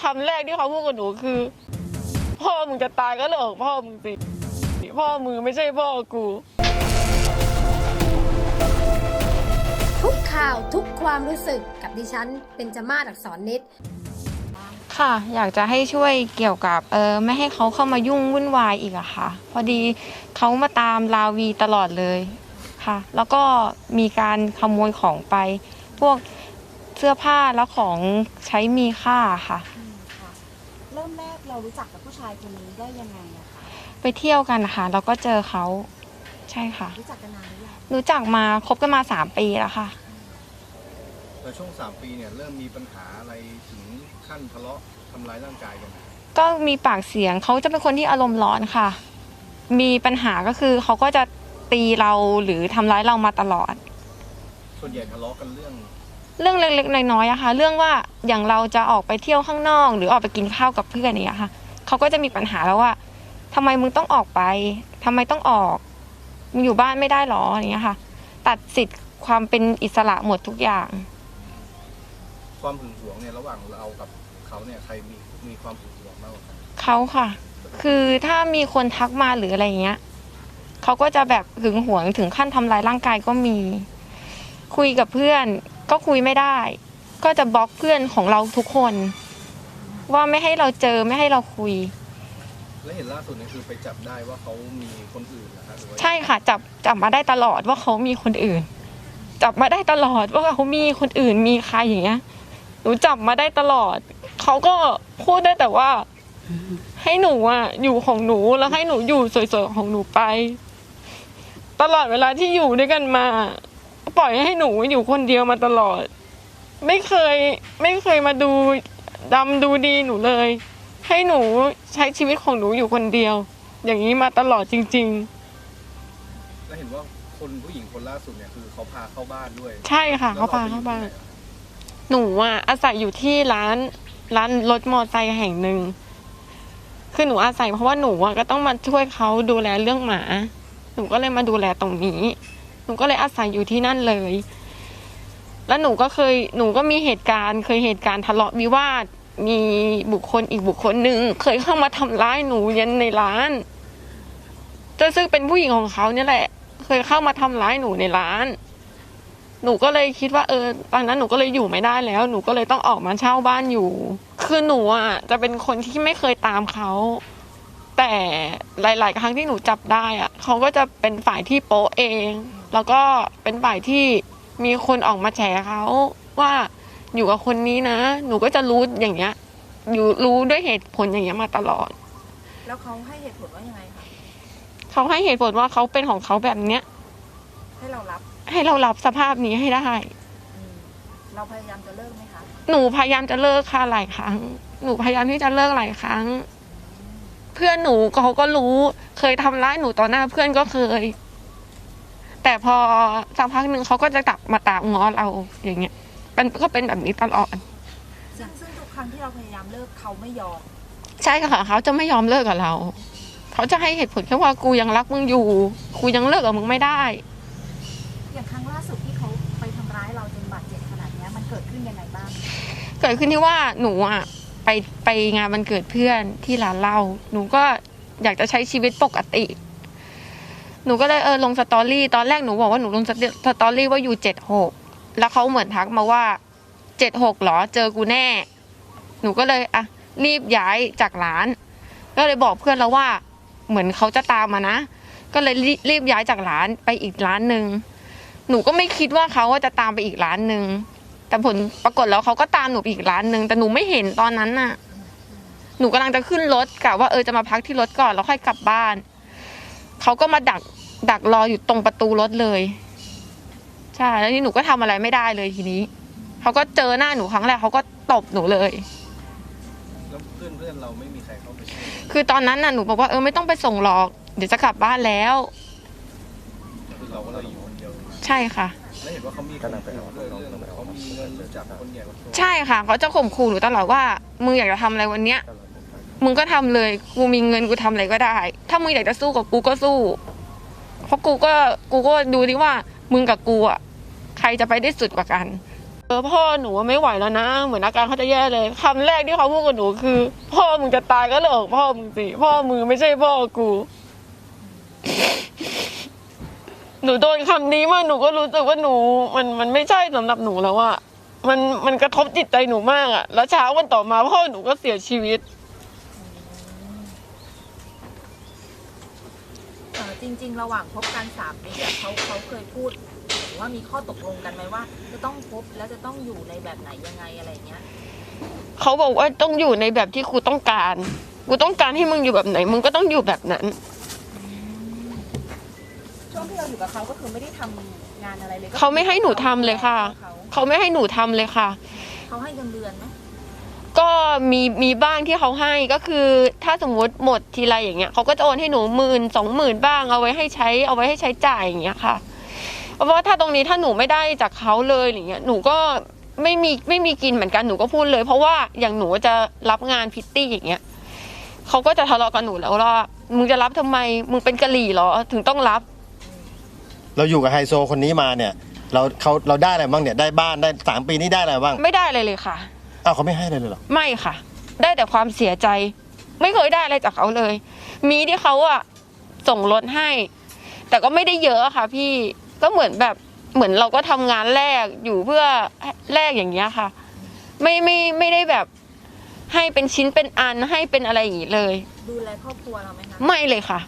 ำแรกที่เขาพูดกับหนูคือพ่อมึงจะตายก็เรื่องของพ่อมึงสิพ่อมึงไม่ใช่พ่อกูทุกข่าวทุกความรู้สึกกับดิฉันเบญจมาศ อักษรนิดค่ะอยากจะให้ช่วยเกี่ยวกับไม่ให้เขาเข้ามายุ่งวุ่นวายอีกอะค่ะพอดีเขามาตามราวีตลอดเลยค่ะแล้วก็มีการขโมยของไปพวกเสื้อผ้าแล้วของใช้มีค่าค่ะเริ่มแรกเรารู้จักกับผู้ชายคนนี้ได้ยังไงอะคะไปเที่ยวกันค่ะแล้วก็เจอเขาใช่ค่ะรู้จักกันนานหรือยังรู้จักมาคบกันมา3 ปีแล้วค่ะแต่ช่วง3 ปีเนี่ยเริ่มมีปัญหาอะไรถึงขั้นทะเลาะทำร้ายร่างกายกันก็มีปากเสียงเขาจะเป็นคนที่อารมณ์ร้อนค่ะมีปัญหาก็คือเขาก็จะตีเราหรือทำร้ายเรามาตลอดส่วนใหญ่ทะเลาะกันเรื่องเล็กๆน้อยๆอะค่ะเรื่องว่าอย่างเราจะออกไปเที่ยวข้างนอกหรือออกไปกินข้าวกับเพื่อนอย่างเงี้ยค่ะเขาก็จะมีปัญหาแล้วว่าทำไมมึงต้องออกไปทำไมต้องออกมึงอยู่บ้านไม่ได้หรออย่างเงี้ยค่ะตัดสิทธิ์ความเป็นอิสระหมดทุกอย่างความหึงหวงเนี่ยระหว่างเรากับเขาเนี่ยใครมีความหึงหวงมากกว่ากันเขาค่ะคือถ้ามีคนทักมาหรืออะไรเงี้ยเขาก็จะแบบหึงหวงถึงขั้นทำร้ายร่างกายก็มีคุยกับเพื่อนก็คุยไม่ได้ก็จะบล็อกเพื่อนของเราทุกคนว่าไม่ให้เราเจอไม่ให้เราคุยและเห็นล่าสุดนี่คือไปจับได้ว่าเขามีคนอื่นนะคะใช่ค่ะจับมาได้ตลอดว่าเขามีคนอื่นจับมาได้ตลอดว่าเขามีคนอื่นมีใครอย่างเงี้ยหนูจับมาได้ตลอดเขาก็พูดได้แต่ว่าให้หนูอ่ะอยู่ของหนูแล้วให้หนูอยู่สวยๆของหนูไปตลอดเวลาที่อยู่ด้วยกันมาปล่อยให้หนูอยู่คนเดียวมาตลอดไม่เคยมาดูดำดูดีหนูเลยให้หนูใช้ชีวิตของหนูอยู่คนเดียวอย่างนี้มาตลอดจริงๆแล้วเห็นว่าคนผู้หญิงคนล่าสุดเนี่ยคือเขาพาเข้าบ้านด้วยใช่ค่ะเขาพาเข้าบ้านหนูอ่ะอาศัยอยู่ที่ร้านรถมอเตอร์ไซค์แห่งหนึ่งคือหนูอาศัยเพราะว่าหนูอ่ะก็ต้องมาช่วยเขาดูแลเรื่องหมาหนูก็เลยมาดูแลตรงนี้หนูก็เลยอาศัยอยู่ที่นั่นเลยแล้วหนูก็มีเหตุการณ์ทะเลาะวิวาทมีบุคคลอีกบุคคลหนึ่งเคยเข้ามาทำร้ายหนูยันในร้านซึ่งเป็นผู้หญิงของเขาเนี่ยแหละเคยเข้ามาทำร้ายหนูในร้านหนูก็เลยคิดว่าตอนนั้นหนูก็เลยอยู่ไม่ได้แล้วหนูก็เลยต้องออกมาเช่าบ้านอยู่คือหนูอ่ะจะเป็นคนที่ไม่เคยตามเขาแต่หลายๆครั้งที่หนูจับได้อ่ะเขาก็จะเป็นฝ่ายที่โป๊ะเองแล้วก็เป็นฝ่ายที่มีคนออกมาแฉเขาว่าอยู่กับคนนี้นะหนูก็จะรู้อย่างเงี้ยอยู่รู้ด้วยเหตุผลอย่างเงี้ยมาตลอดแล้วเขาให้เหตุผลว่ายังไงคะเขาให้เหตุผลว่าเขาเป็นของเขาแบบเนี้ยให้เรารับสภาพนี้ให้ได้เราพยายามจะเลิกไหมคะหนูพยายามจะเลิกค่ะหลายครั้งหนูพยายามที่จะเลิกหลายครั้งเพื่อนหนูเขาก็รู้เคยทำร้ายหนูต่อหน้าเพื่อนก็เคยแต่พอสักพักหนึ่งเขาก็จะกลับมาตามง้อเราอย่างเงี้ยก็เป็นแบบนี้ตลอดซึ่งทุกครั้งที่เราพยายามเลิกเขาไม่ยอมใช่ค่ะเขาจะไม่ยอมเลิกกับเราเขาจะให้เหตุผลแค่ว่ากูยังรักมึงอยู่กูยังเลิกกับมึงไม่ได้อย่างครั้งล่าสุดที่เขาไปทำร้ายเราจนบาดเจ็บขนาดนี้มันเกิดขึ้นยังไงบ้างเกิดขึ้นที่ว่าหนูอ่ะไปงานวันเกิดเพื่อนที่ร้านเหล้าหนูก็อยากจะใช้ชีวิตปกติหนูก็เลยลงสตอรี่ตอนแรกหนูบอกว่าหนูลงสตอรี่ว่าอยู่76แล้วเขาเหมือนทักมาว่า76หรอเจอกูแน่หนูก็เลยรีบย้ายจากร้านก็เลยบอกเพื่อนแล้วว่าเหมือนเขาจะตามมานะก็เลยรีบย้ายจากร้านไปอีกร้านนึงหนูก็ไม่คิดว่าเขาจะตามไปอีกร้านนึงแต่ผลปรากฏแล้วเขาก็ตามหนูไปอีกร้านนึงแต่หนูไม่เห็นตอนนั้นน่ะหนูกำลังจะขึ้นรถกะว่าจะมาพักที่รถก่อนแล้วค่อยกลับบ้านเขาก็มาดักรออยู่ตรงประตูรถเลยใช่แล้วนี่หนูก็ทำอะไรไม่ได้เลยทีนี้เขาก็เจอหน้าหนูครั้งแรกเขาก็ตบหนูเลยแล้วเพื่อนเราไม่มีใครเข้าไปช่วยคือตอนนั้นน่ะหนูบอกว่าไม่ต้องไปส่งหรอกเดี๋ยวจะกลับบ้านแล้วคือเราก็เลยอยู่คนเดียวใช่ค่ะแล้วเห็นว่าเขามีเงินจากคนใหญ่ใช่ค่ะเขาจะข่มขู่หนูตลอดว่ามึงอยากจะทำอะไรวันเนี้ยมึงก็ทำเลยกูมีเงินกูทำอะไรก็ได้ถ้ามึงอยากจะสู้กับกูก็สู้เพราะกูก็ดูดิว่ามึงกับกูอ่ะใครจะไปได้สุดกว่ากันพ่อหนูไม่ไหวแล้วนะเหมือนอาการเขาจะแย่เลยคำแรกที่เขาพูดกับหนูคือพ่อมึงจะตายก็เรื่องของพ่อมึงสิพ่อมึงไม่ใช่พ่อกู หนูโดนคำนี้มาหนูก็รู้สึกว่าหนูมันไม่ใช่สำหรับหนูแล้วอะมันกระทบจิตใจหนูมากอะแล้วเช้าวันต่อมาพ่อหนูก็เสียชีวิตจริง ๆ ระหว่างพบกัน3 ปีเขาเคยพูดหรือว่ามีข้อตกลงกันไหมว่า จะต้องพบแล้วจะต้องอยู่ในแบบไหนยังไงอะไรเงี้ยเขาบอกว่าต้องอยู่ในแบบที่กูต้องการให้มึงอยู่แบบไหนมึงก็ต้องอยู่แบบนั้นช่วงที่เราอยู่กับเขาก็คือไม่ได้ทำงานอะไรเลยเขาไม่ให้หนูทำเลยค่ะ เขาไม่ให้หนูทำเลยค่ะเขาให้เงินเดือนไหมก็มีบ้างที่เขาให้ก็คือถ้าสมมติหมดทีไรอย่างเงี้ยเขาก็จะโอนให้หนู10,000-20,000บ้างเอาไว้ให้ใช้จ่ายอย่างเงี้ยค่ะเพราะว่าถ้าตรงนี้ถ้าหนูไม่ได้จากเขาเลยอย่างเงี้ยหนูก็ไม่มีกินเหมือนกันหนูก็พูดเลยเพราะว่าอย่างหนูจะรับงานพิตตี้อย่างเงี้ยเขาก็จะทะเลาะกับหนูแล้วว่ามึงจะรับทำไมมึงเป็นกะหรี่เหรอถึงต้องรับเราอยู่กับไฮโซคนนี้มาเนี่ยเราได้อะไรบ้างเนี่ยได้บ้านได้3 ปีนี้ได้อะไรบ้างไม่ได้อะไรเลยค่ะอ้าวเขาไม่ให้อะไรเลยเหรอไม่ค่ะได้แต่ความเสียใจไม่เคยได้อะไรจากเขาเลยมีที่เขาอะส่งรถให้แต่ก็ไม่ได้เยอะค่ะพี่ก็เหมือนเราก็ทำงานแลกอยู่เพื่อแลกอย่างเงี้ยค่ะไม่ได้แบบให้เป็นชิ้นเป็นอันให้เป็นอะไรอย่างงี้เลยดูแลครอบครัวเราไหมคะไม่เลยค่ะ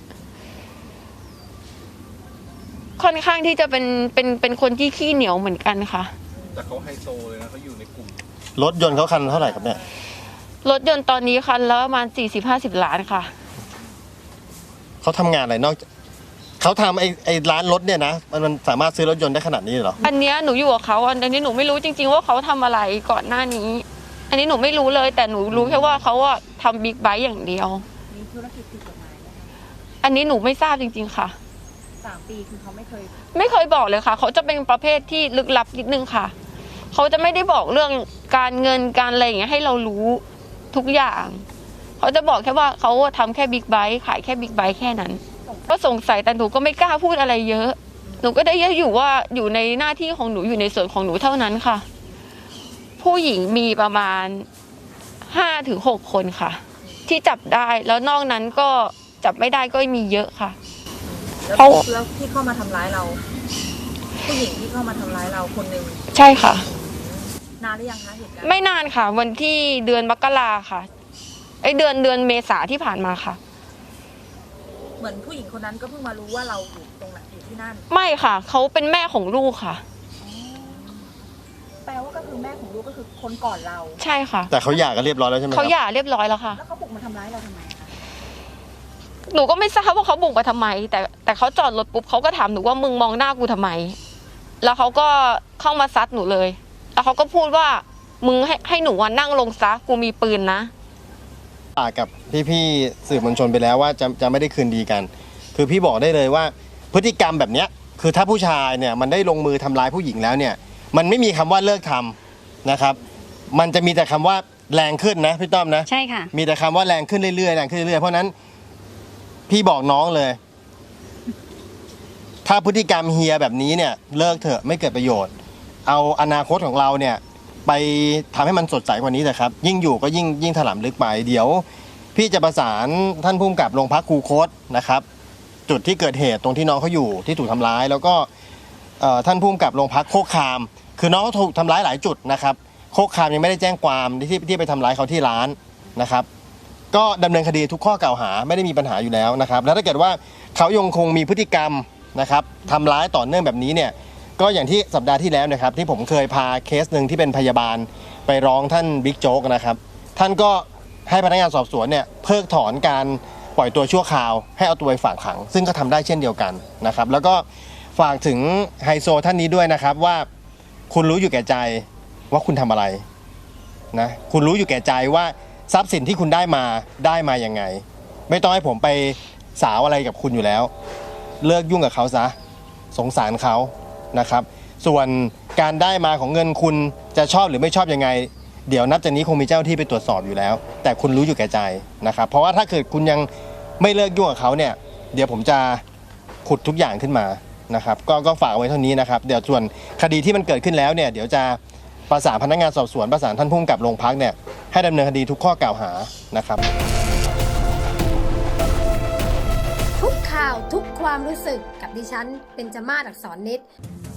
ค่อนข้างที่จะเป็นคนที่ขี้เหนียวเหมือนกันค่ะแต่เขาไฮโซเลยนะเขาอยู่ในกลุ่มรถยนต์เขาคันเท่าไหร่ครับเนี่ยรถยนต์ตอนนี้คันละประมาณ40-50 ล้านค่ะเขาทำงานอะไรนอกเขาทำไอ้ร้านรถเนี่ยนะมันสามารถซื้อรถยนต์ได้ขนาดนี้เหรออันเนี้ยหนูอยู่กับเขาอันนี้หนูไม่รู้จริงๆว่าเขาทำอะไรก่อนหน้านี้อันนี้หนูไม่รู้เลยแต่หนูรู้แค่ว่าเขาอะทำบิ๊กไบค์อย่างเดียวมีธุรกิจผิดกฎหมายไหมอันนี้หนูไม่ทราบจริงๆค่ะ 3 ปีคือเขาไม่เคยบอกเลยค่ะเขาจะเป็นประเภทที่ลึกลับนิดนึงค่ะเขาจะไม่ได้บอกเรื่องการเงินการอะไรอย่างเงี้ยให้เรารู้ทุกอย่างเขาจะบอกแค่ว่าเขาทำแค่บิ๊กไบค์ขายแค่บิ๊กไบค์แค่นั้นก็สงสัยแต่หนูก็ไม่กล้าพูดอะไรเยอะหนูก็ได้อยู่ว่าอยู่ในหน้าที่ของหนูอยู่ในส่วนของหนูเท่านั้นค่ะผู้หญิงมีประมาณ5-6 คนค่ะที่จับได้แล้วนอกนั้นก็จับไม่ได้ก็มีเยอะค่ะแล้วที่เข้ามาทำร้ายเราผู้หญิงที่เข้ามาทำร้ายเราคนหนึ่งใช่ค่ะนานหรือยังคะเหตุการณ์ไม่นานค่ะวันที่เดือนมกราค่ะเดือนเมษาที่ผ่านมาค่ะเหมือนผู้หญิงคนนั้นก็เพิ่งมารู้ว่าเราอยู่ตรงนั้นอยู่ที่นั่นไม่ค่ะเขาเป็นแม่ของลูกค่ะแปลว่าก็คือแม่ของลูกก็คือคนก่อนเราใช่ค่ะแต่เขาหย่ากันเรียบร้อยแล้วใช่ไหมเขาหย่าเรียบร้อยแล้วค่ะแล้วเขาบุกมาทำร้ายเราทำไมคะหนูก็ไม่ทราบว่าเขาบุกมาทำไมแต่เขาจอดรถปุ๊บเขาก็ถามหนูว่ามึงมองหน้ากูทำไมแล้วเขาก็เข้ามาซัดหนูเลยแล้วเขาก็พูดว่ามึงให้หนูนั่งลงซะกูมีปืนนะกับพี่ๆสื่อมวลชนไปแล้วว่าจะไม่ได้คืนดีกันคือพี่บอกได้เลยว่าพฤติกรรมแบบเนี้ยคือถ้าผู้ชายเนี่ยมันได้ลงมือทำร้ายผู้หญิงแล้วเนี่ยมันไม่มีคำว่าเลิกทำนะครับมันจะมีแต่คำว่าแรงขึ้นนะพี่ต้อมนะใช่ค่ะมีแต่คำว่าแรงขึ้นเรื่อยๆแรงขึ้นเรื่อยๆเพราะนั้นพี่บอกน้องเลยถ้าพฤติกรรมเฮียแบบนี้เนี่ยเลิกเถอะไม่เกิดประโยชน์เอาอนาคตของเราเนี่ยไปทำให้มันสดใสกว่านี้เถอะครับยิ่งอยู่ก็ยิ่งถลำลึกไปเดี๋ยวพี่จะประสานท่านผู้กำกับโรงพักคูคตนะครับจุดที่เกิดเหตุตรงที่น้องเขาอยู่ที่ถูกทำร้ายแล้วก็ท่านผู้กำกับโรงพักโคกคามคือน้องเขาถูกทำร้ายหลายจุดนะครับโคกคามยังไม่ได้แจ้งความที่ไปทำร้ายเขาที่ร้านนะครับก็ดำเนินคดีทุกข้อกล่าวหาไม่ได้มีปัญหาอยู่แล้วนะครับแล้วถ้าเกิดว่าเขายังคงมีพฤติกรรมนะครับทำร้ายต่อเนื่องแบบนี้เนี่ยก็อย่างที่สัปดาห์ที่แล้วนะครับที่ผมเคยพาเคสหนึ่งที่เป็นพยาบาลไปร้องท่านบิ๊กโจ๊กนะครับท่านก็ให้พนักงานสอบสวนเนี่ยเพิกถอนการปล่อยตัวชั่วคราวให้เอาตัวไปฝากขังซึ่งก็ทำได้เช่นเดียวกันนะครับแล้วก็ฝากถึงไฮโซท่านนี้ด้วยนะครับว่าคุณรู้อยู่แก่ใจว่าคุณทำอะไรนะคุณรู้อยู่แก่ใจว่าทรัพย์สินที่คุณได้มายังไงไม่ต้องให้ผมไปสาวอะไรกับคุณอยู่แล้วเลิกยุ่งกับเขาซะสงสารเขานะครับส่วนการได้มาของเงินคุณจะชอบหรือไม่ชอบยังไงเดี๋ยวนับจากนี้คงมีเจ้าที่ไปตรวจสอบอยู่แล้วแต่คุณรู้อยู่แก่ใจนะครับเพราะว่าถ้าเกิดคุณยังไม่เลิกยุ่งกับเขาเนี่ยเดี๋ยวผมจะขุดทุกอย่างขึ้นมานะครับก็ฝากไว้เท่านี้นะครับเดี๋ยวส่วนคดีที่มันเกิดขึ้นแล้วเนี่ยเดี๋ยวจะประสานพนักงานสอบสวนประสานท่านผู้กำกับโรงพักเนี่ยให้ดำเนินคดีทุกข้อกล่าวหานะครับทุกข่าวทุกความรู้สึกกับดิฉันเบญจมาศ อักษรนิด